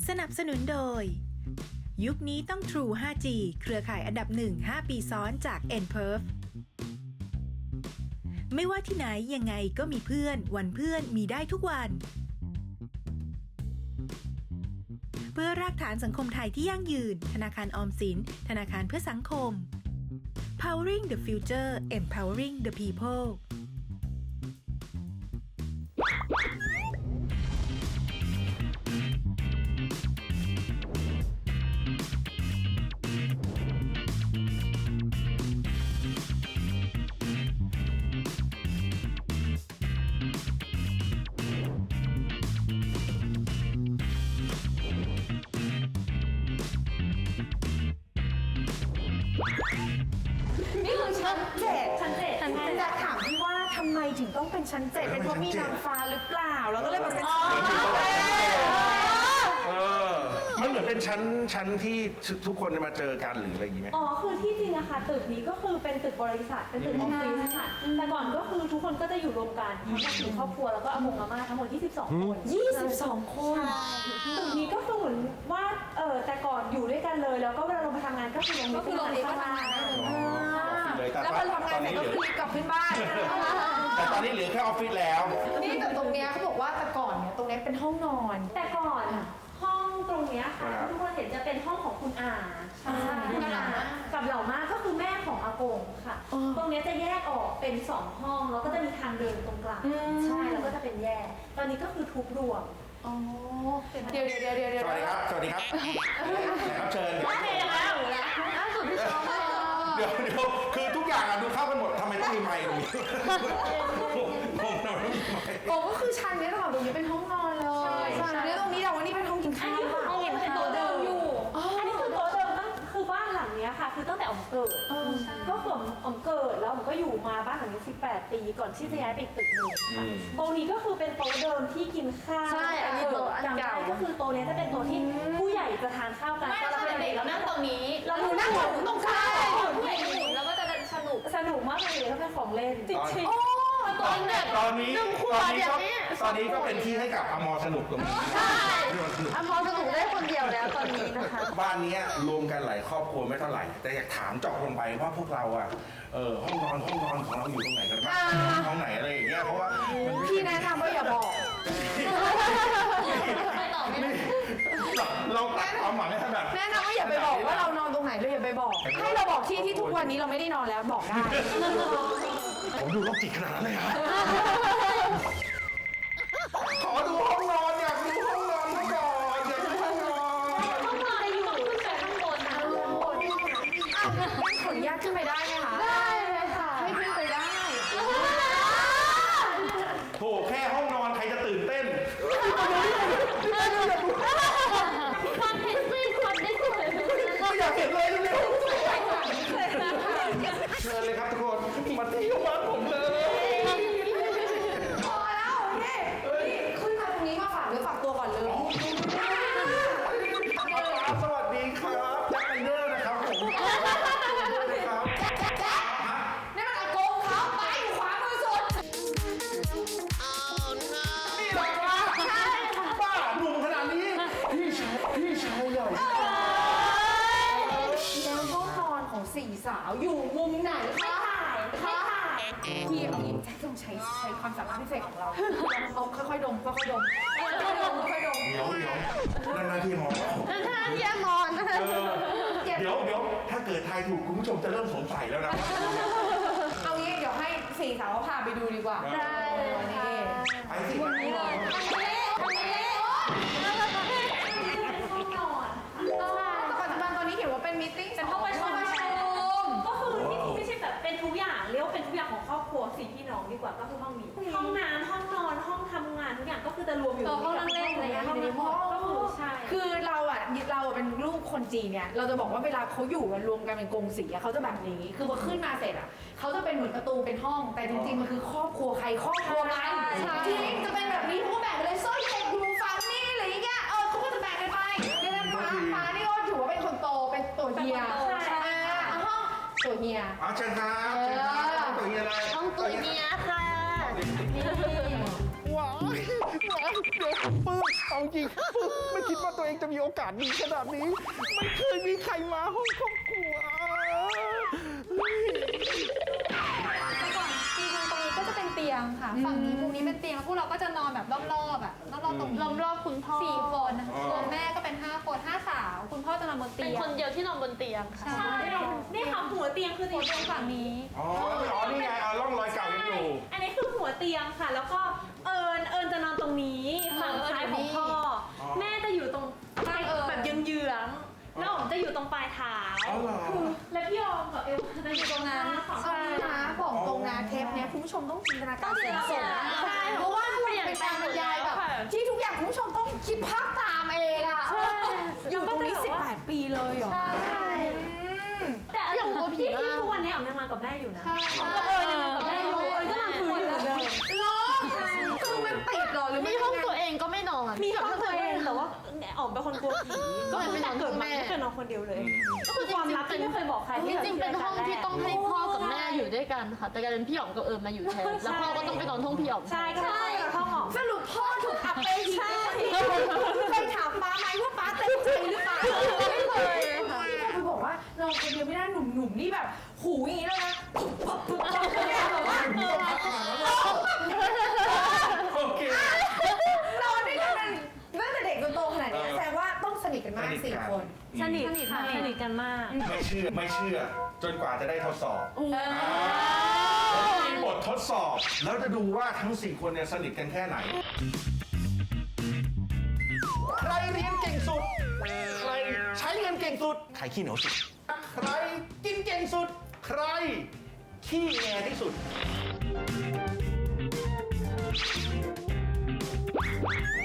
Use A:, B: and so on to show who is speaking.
A: สนับสนุนโดยยุคนี้ต้อง True 5G เครือข่ายอันดับ1 5 ปีซ้อนจาก nPerf ไม่ว่าที่ไหนยังไงก็มีเพื่อนวันเพื่อนมีได้ทุกวันเพื่อรากฐานสังคมไทยที่ยั่งยืนธนาคารออมสินธนาคารเพื่อสังคม Powering the Future Empowering the People
B: นี่คือชั้นเจ็ดอยากถามพี่ว่าทำไมถึงต้องเป็นชั้นเจ็ดเป็นเพราะมีนางฟ้าหรือเปล่าแล้วก็เลยมาเป็น
C: มันเหมือนเป็นชั้นที่ทุกคนมาเจอกันหรืออะไรอย่างงี้ไหม
D: อ๋อคือที่จริงอะค่ะตึกนี้ก็คือเป็นตึกบริษัทเป็นตึกออฟฟิศค่ะแต่ก่อนก็คือทุกคนก็จะอยู่รวมกันทั้งหมด4ครอบครัวแล้วก็อากงอาม่าทั้งหมด22 คน
B: 22 คน
D: ตึกนี้ก็คือเหมือนว่าแต่ก่อนอยู่ด้วยกันเลยแล้วก็เวลาลงไปทำงานก็คือลง
B: ก็คือโรงเรียนก็ทำงานได้เลย
C: แต่
B: แล้วพอทำงานเสร็จก็คือรีบกลับขึ้นบ้าน
C: แต่ตอนนี้เหลือแค่ออฟฟิศแล้ว
B: นี่แต่ตรงเนี้ยเขาบอกว่าแต่ก่อนเนี่ยตรงเนี้ยเป็นห้องนอน
D: แต่ก่อนห้องตรงเนี้ยค่ะทุกคนเห็นจะเป็นห้องของคุณอาคุณอากับเหล่ามาก็คือแม่ของอากงค่ะตรงเนี้ยจะแยกออกเป็น2ห้องแล้วก็จะมีทางเดินตรงกลางใช่แล้วก็จะเป็นแยกตอนนี้ก็คือทุบรวม
B: อ๋อเดี๋ยว
C: สวัสดีครับแขกรับเชิญเดี๋ยวคือทุกอย่างดูเข้ากันหมดทำไมต้องมีไมค์ตรงนี้ผมทำไมต้องมีไมค์
B: โอ้ก็คือชั้นนี้ตรงนี้เป็นห้องนอนเลยแล้วตรงนี้แต่ว่านี่เป็นห้องกินข้าว
D: ห้องเป็นโต๊ะเดิมอยู่อันนี้คือโต๊ะเดิมคือบ้านหลังเนี้ยค่ะคือตั้งแต่อ๋อมเกิดก็คืออ๋อมเกิดแล้วผมก็อยู่มาบ้านหลังนี้18 ปีก่อนที่จะย้ายไปอีกตึกหนึ่งค่ะตรงนี้ก็คือเป็นโต๊ะเดิมที่กินข้าว
B: ใช่อันนี้โต๊ะอันเก่า
D: ก็คือโต๊ะนี้จะเป็นโต๊ะที่ผู้ใหญ่จะทานข้าวกันตอนเราเป็นเด็กเรานั่งตรงนี้เรานั่งตรงข้าวผู้ใหญ่หมุนแล้วก็จะสนุกมากเลยถ้าเป็นของเล่นจริงๆ
C: ตอนนี้ก็เป็นที่ให้กับอมรสนุกตรงนี้
B: อมรสนุกได้คนเดียวแล้วตอนนี้นะคะ
C: บ้านนี้รวมกันหลายครอบครัวไม่เท่าไหร่แต่อยากถามเจาะลงไปว่าพวกเราห้องนอนของเราอยู่ตรงไหนกันบ้างห้องไหนอะไรอย่างเงี้ยเพราะว่า
B: พี่แนะนำว่าอย่าบอก
C: เราตัดความหวังให้แบบ
B: แนะนำว่าอย่าไปบอกว่าเรานอนตรงไหนเลยอย่าไปบอกให้เราบอกที่ทุกวันนี้เราไม่ได้นอนแล้วบอกได้
C: ผมดูโรคจิตขนาดนั้นเลยครับขอดูห้องนอนอยากดูห้องนอนก่อนอยากดูห้องนอน
D: อยู่ขึ้นไปข้างบนนะ
B: ขออนุญาตขึ้นไปได้ไหมคะ
D: ได้เลยค่ะ
B: ให้ขึ้นไปได้
C: โถแค่ห้องนอนใครจะตื่นเต้น
D: ความเห็นไม่ความได้สวย
C: ก็อยากเห็นเลยเร็วเชิญเลยครับทุกคนมาที่บ้านผมเลย
B: พอแล้วนี่ขึ้นมาตรงนี้มาฝากตัวก่อนเลย
C: สวัสดีครับแจ็คไนเดอร์นะครับผมครับ
B: นี่มันอากงเขาไปอยู่ขวามือสุด
C: นี่เหรอวะใช่บ้าหนุ่มขนาดนี้พี่ชายใหญ่
B: แล้วห้องนอนของสี่สาวอยู่มุมไหนคะพี่เอางี้แจ็คต้องใช้ความสามารถพิเศษของเราเอาค่อยๆดม
C: เดี๋ยวนั่นหน้าที่มองเดี๋ยวถ้าเกิดทายถูกคุณผู้ชมจะเริ่มสงสัยแล้วนะ
B: เอางี้เดี๋ยวให้สี่สาวพาไปดูดีกว่า
D: ได้เลยค่ะ
C: ไปสิวันนี้เลย
B: ปัจจุบันตอนนี้เห็นว่าเป็นมีตติ้ง
D: เป็นห้องประชุมก็คือไม่ใช่แบบเป็นทุกอย่างเรียกว่าเป็นทุกอย่างของครอบครัว4พี่น้องดีกว่าก็คือห้องนี้ห้องน้ำห้องนอนห้องทำงานทุกอย่างก็คือจะรวมอยู่
B: ห้องนั่งเล่นอะไรอย่างเงี้ยในห้อง
D: ก็คือใช่
B: คือเราเป็นลูกคนจีนเนี่ยเราจะบอกว่าเวลาเขาอยู่กันรวมกันเป็นกงสีเขาจะแบบนี้คือพอขึ้นมาเสร็จเขาจะเป็นเหมือนประตูเป็นห้องแต่จริงๆมันคือครอบครัวใครครอบครัวมันจริงจะเป็นแบบนี้เขาก็แบ่งไปเลยโซ่เด็กดูฟังนี่อะไรอย่างเงี้ยเขาก็จะแบ่งกันไปเนี่ยฟ้านี่ก็ถือว่าเป็นคนโตเป็นตัวเฮียห้องตัวเฮีย
C: เชิญครับตัวเฮียอะไร
D: ห้องตัวเฮียค่ะ
C: ว้าวเดี๋ยวปื้มเอาจริงไม่คิดว่าตัวเองจะมีโอกาสดีขนาดนี้ ไม่เคยมีใครมาห้องครอบครัว
E: แต่ก่อนจริงๆตรงนี้ก็จะเป็นเตียงค่ะ ฝั่งนี้มุมนี้เป็นเตียงแล้วพวกเราก็จะนอนแบบรอบๆอ่ะรอบๆตรงนี้
D: รอบๆคุณพ่อ
E: 4 คนรวมแม่ก็เป็น5 คน5 สาว คุณพ่อจะนอนบน
D: เป็
E: เตี
D: น
E: ยง
D: คนเดียวที่นอนบนเตียงค่ะ
E: ใช่
D: นี่ค่ะหัวเตียงคือ
E: หัวเตียงฝั่งนี้
C: อ๋อนี่ไงร่องรอยเก่ายังอยู่
D: อันนี้คือหัวเตียงค่ะ แล้วก็เอิญจะนอนตรงนี้ฝั่งซ้ายของพ่อ แม่จะอยู่ตรงแบบเยื้องๆแล้วอ๋อมจะอยู่ตรงปลายเท้า
C: อ๋อเหรอ
D: และพี่ออมกับเอลจะอยู่ตรงนั้น
B: ใช่นะบอกตรงนะเทปเนี้ยคุณผู้ชมต้องจินตนาการสูง
D: ใช่
B: เพราะว่ามันเป็นการบรรยายแบบที่ทุกอย่างคุณผู้ชมต้องคิดภาพตามเองอะอยู่ตรงนี้18 ปีเลยเหรอ
D: ใช่แต่อย่างตัวผีที่ทุกวันนี้อ๋อมยังนอนกับแม่อยู่นะก็ยังนอนกับแม่อยู่ก็นอนพื้นอยู่เหมือนเดิม
B: เหรอคือมันติดเหรอหรือ
F: มีห้องตัวเองก็ไม่นอน
D: มีกับตัวเองแต่ว่าอ๋อมเป็นคนกลัวผีก็คือแต่เกิดมาไม่เคยนอนคนเดียวเลย ก็คือความลับที่ไม่เคยบอกใคร
F: จริงๆเป็นห้องที่ต้องให้พ่อกับแม่อยู่ด้วยกันค่ะ แต่กลายเป็นพี่อ๋อมกับเอิญมาอยู่แทน แล้วพ่อก็ต้องไปนอนห้องพี่อ๋อม
D: ใช่ก็ใช่ห้องอ๋อม
B: สรุปพ่อถูกอับไปทีเคยถามป้าไหมว่าป้าเต็มใจหรือเปล่าไม่เคยค่ะคือบอกว่านอนคนเดียวไม่ได้หนุ่มๆนี่แบบหูอย่างนี้แล้วนะปุ๊บแบบว่า
C: โอเค
B: นอนด้วยกันตั้งแต่เด็กจนโตขนาดนี้แสดงว่าต้องสนิทกันมาก4 คน
D: สนิทค่ะสนิทกันมาก
C: ไม่เชื่อ จนกว่าจะได้ทดสอบมีบททดสอบ แล้วจะดูว่าทั้ง 4 คนเนี่ยสนิทกันแค่ไหน ใครเรียนเก่งสุด ใครใช้เงินเก่งสุด ใครขี้เหนียวสุด ใครกินเก่งสุด ใครขี้แงที่สุด